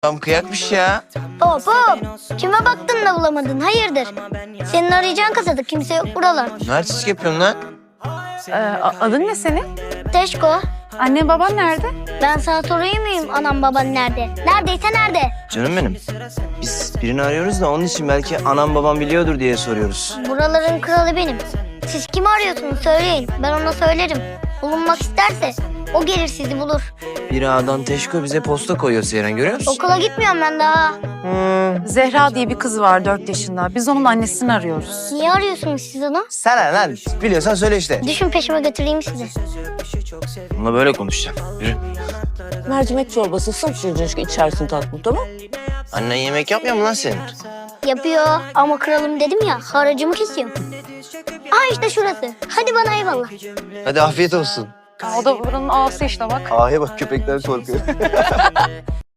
Tam kıyakmış ya. Hop hop. Kime baktın da bulamadın? Hayırdır? Senin arayacağın kasada kimse yok buralar. Ne artistlik yapıyorsun lan? Adın ne senin? Teşko. Annen baban nerede? Ben sana sorayım mıyım anam baban nerede? Neredeyse nerede? Canım benim. Biz birini arıyoruz da onun için belki anam babam biliyordur diye soruyoruz. Buraların kralı benim. Siz kimi arıyorsunuz söyleyin. Ben ona söylerim. Bulunmak isterse o gelir sizi bulur. Bir ağadan Teşko bize posta koyuyor Seyren, görüyor musun? Okula gitmiyorum ben daha. Zehra diye bir kız var 4 yaşında. Biz onun annesini arıyoruz. Niye arıyorsunuz siz onu? Sana lan, biliyorsan söyle işte. Düşün peşime götüreyim sizi. Onunla böyle konuşacağım. Yürü. Mercimek çorbası sımsıcacık içersin tatlım, tamam? Annen yemek yapmıyor mu lan senin? Yapıyor ama kralım dedim ya haracımı kesiyorum. Aa işte şurası. Hadi bana eyvallah. Hadi afiyet olsun. O da buranın ağası işte bak. Ağaya bak, köpekler korkuyor.